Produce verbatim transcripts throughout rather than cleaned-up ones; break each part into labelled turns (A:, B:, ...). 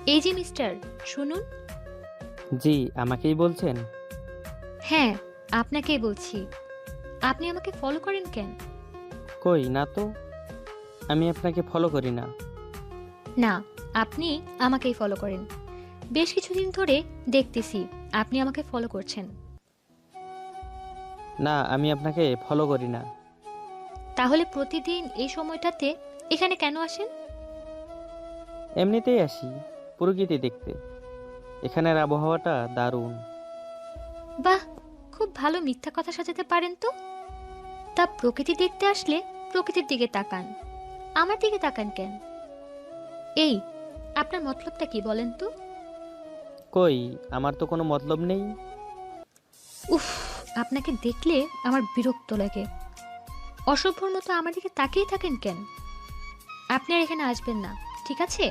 A: এই যে মিস্টার, শুনুন।
B: জি, আমাকেই বলছেন?
A: হ্যাঁ, আপনাকেই বলছি। আপনি আমাকে ফলো করেন কেন?
B: কই না তো, আমি আপনাকে ফলো করি না।
A: না, আপনি আমাকেই ফলো করেন। বেশ কিছুদিন ধরে দেখতেছি আপনি আমাকে ফলো করছেন।
B: না, আমি আপনাকে ফলো করি না।
A: তাহলে প্রতিদিন এই সময়টাতে এখানে কেন আসেন?
B: এমনিতেই আসি, প্রকৃতি দেখতে। এখানের আবহাওয়াটা দারুণ।
A: বাহ, খুব ভালো মিথ্যা কথা সাজাতে পারেন তো। তা প্রকৃতি দেখতে আসলে প্রকৃতির দিকে তাকান, আমার দিকে তাকান কেন? এই, আপনার মতলবটা কি বলেন তো?
B: কই, আমার তো কোনো মতলব নেই।
A: উফ, আপনাকে দেখলে আমার বিরক্ত লাগে। অসভ্যর মতো আমার দিকে তাকিয়ে থাকেন কেন? আপনি আর এখানে আসবেন না, ঠিক আছে?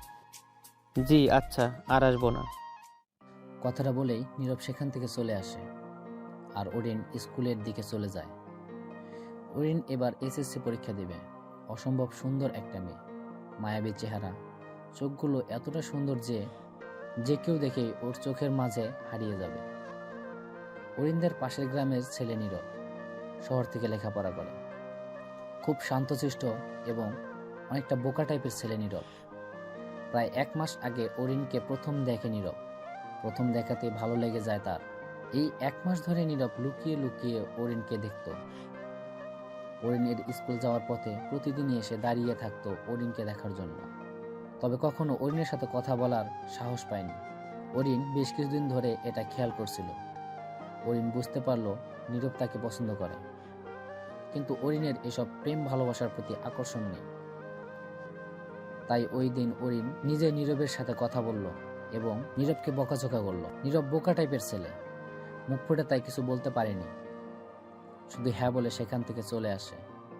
B: জি আচ্ছা, আর আসবো না।
C: কথাটা বলেই নীরব সেখান থেকে চলে আসে আর ওরিন স্কুলের দিকে চলে যায়। ওরিন এবার এসএসসি পরীক্ষা দেবে। অসম্ভব সুন্দর একটা মেয়ে, মায়াবী চেহারা, চোখগুলো এতটা সুন্দর যে যে কেউ দেখে ওর চোখের মাঝে হারিয়ে যাবে। অরিনদের পাশের গ্রামের ছেলে নীরব শহর থেকে লেখাপড়া করে। খুব শান্তশিষ্ট এবং অনেকটা বোকা টাইপের ছেলে নীরব। প্রায় এক মাস আগে অরিনকে প্রথম দেখে নীরব। প্রথম দেখাতে ভালো লেগে যায় তার। এই এক মাস ধরে নীরব লুকিয়ে লুকিয়ে অরিনকে দেখত। অরিনের স্কুল যাওয়ার পথে প্রতিদিনই এসে দাঁড়িয়ে থাকতো অরিনকে দেখার জন্য, তবে কখনো অরিনের সাথে কথা বলার সাহস পায়নি। অরিন বেশ কিছুদিন ধরে এটা খেয়াল করছিল। অরিন বুঝতে পারল নীরব তাকে পছন্দ করে, কিন্তু অরিনের এসব প্রেম ভালোবাসার প্রতি আকর্ষণ নেই। তাই ওই দিন অরিন নিজে নীরবের সাথে কথা বলল এবং নীরবকে বকাঝকা করলো। নীরব বোকা টাইপের ছেলে, মুখ ফুটে তাই কিছু বলতে পারেনি, শুধু হ্যাঁ বলে সেখান থেকে চলে আসে।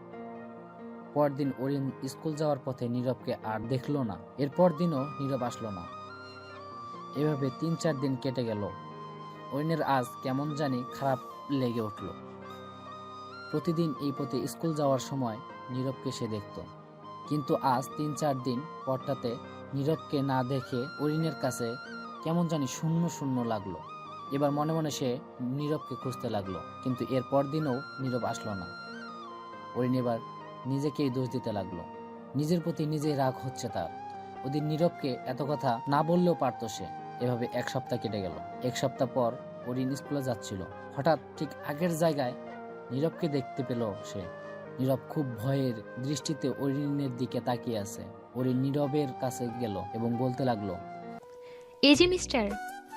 C: পরদিন অরিন স্কুল যাওয়ার পথে নীরবকে আর দেখলো না। এরপর দিনও নীরব আসলো না। এভাবে তিন চার দিন কেটে গেল। অরিনের আজ কেমন জানি খারাপ লেগে উঠল। প্রতিদিন এই পথে স্কুল যাওয়ার সময় নীরবকে সে দেখত, কিন্তু আজ তিন চার দিন পরটাতে নীরবকে না দেখে অরিনের কাছে কেমন জানি শূন্য শূন্য লাগলো। এবার মনে মনে সে নীরবকে খুঁজতে লাগলো, কিন্তু এর পর দিনও নীরব আসলো না। অরিন এবার নিজেকেই দোষ দিতে লাগলো। নিজের প্রতি নিজেই রাগ হচ্ছে তার। ওদিন নীরবকে এত কথা না বললেও পারতো সে। এভাবে এক সপ্তাহ কেটে গেল। এক সপ্তাহ পর অরিন স্কুলে যাচ্ছিল। হঠাৎ ঠিক আগের জায়গায় নীরবকে দেখতে পেল সে। নীরব খুব ভয়ের দৃষ্টিতে অরিনের দিকে তাকিয়ে আছে। অরিন নীরবের কাছে গেল এবং বলতে লাগলো,
A: এই যে মিস্টার।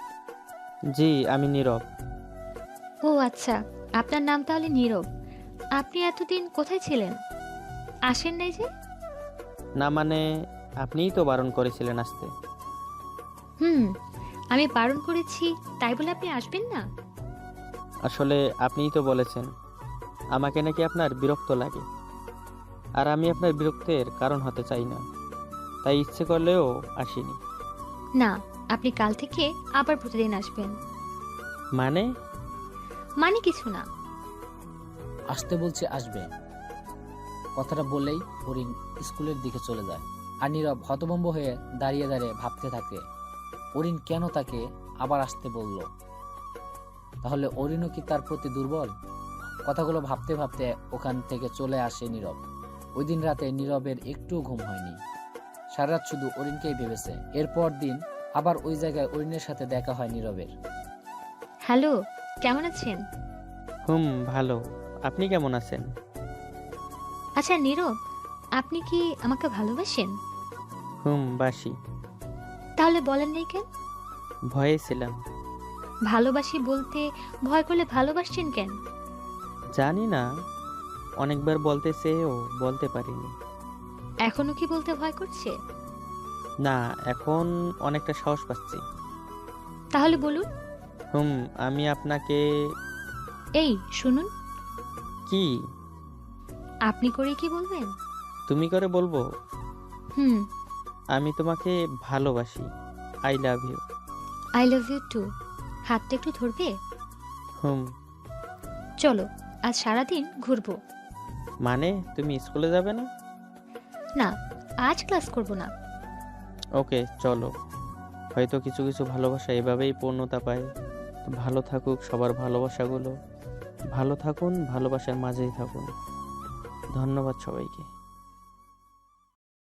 B: জি, আমি নীরব।
A: ও আচ্ছা, আপনার নাম তাহলে নীরব। আপনি এতদিন কোথায় ছিলেন? আসেন নাই যে?
B: না মানে, আপনিই তো বারণ করেছিলেন আসতে।
A: হুম, আমি বারণ করেছি তাই বলে আপনি আসবেন না?
B: আসলে আপনিই তো বলেছেন আমাকে নাকি আপনার বিরক্ত লাগে, আর আমি আপনার বিরক্তের কারণ হতে চাই না, তাই ইচ্ছে করলেও আসিনি।
A: না, আপনি কাল থেকে আবার প্রতিদিন আসবেন।
B: মানে?
A: মানে কিছু না।
C: আসতে বলছে আসবে। কথাটা বলেই অরিন স্কুলের দিকে চলে যায়। আর নীরব হতভম্ব হয়ে দাঁড়িয়ে দাঁড়িয়ে ভাবতে থাকে অরিন কেন তাকে আবার আসতে বলল। তাহলে অরিনও কি তার প্রতি দুর্বল? কথাগুলো ভাবতে ভাবতে ওখান থেকে চলে আসে নীরব। ওই দিন রাতে নীরবের একটু ঘুম হয়নি। সারা রাত শুধু অরিনকেই ভেবেছে। এরপর দিন আবার ওই জায়গায় অরিনের সাথে দেখা হয় নীরবের।
A: হ্যালো, কেমন আছেন?
B: হুম, ভালো। আপনি কেমন আছেন?
A: আচ্ছা নীরব, আপনি কি আমাকে ভালোবাসেন?
B: হুম, বাসি।
A: তাহলে বলেন নাই কেন?
B: ভয়ে ছিলাম।
A: ভালোবাসি বলতে ভয় করলে ভালোবাসছেন কেন?
B: জানি না, অনেকবার বলতে চেয়েও বলতে পারিনি।
A: এখনো কি বলতে ভয় করছে?
B: না, এখন অনেকটা সাহস পাচ্ছি।
A: তাহলে বলুন।
B: হুম, আমি আপনাকে।
A: এই শুনুন,
B: কি?
A: আপনি করে কি বলবেন?
B: তুমি করে বলবো?
A: হুম।
B: আমি তোমাকে ভালোবাসি। I love you.
A: I love you too. হাতটা একটু ধরবে?
B: হুম।
A: চলো, আজ সারাদিন ঘুরবো।
B: মানে তুমি স্কুলে যাবে না?
A: না, আজ ক্লাস করব না।
B: ওকে, চলো। হয়তো কিছু কিছু ভালোবাসা এভাবেই পূর্ণতা পায়। তো ভালো থাকুক সবার ভালোবাসাগুলো। ভালো থাকুন, ভালোবাসার মাঝেই থাকুন। ধন্যবাদ সবাইকে।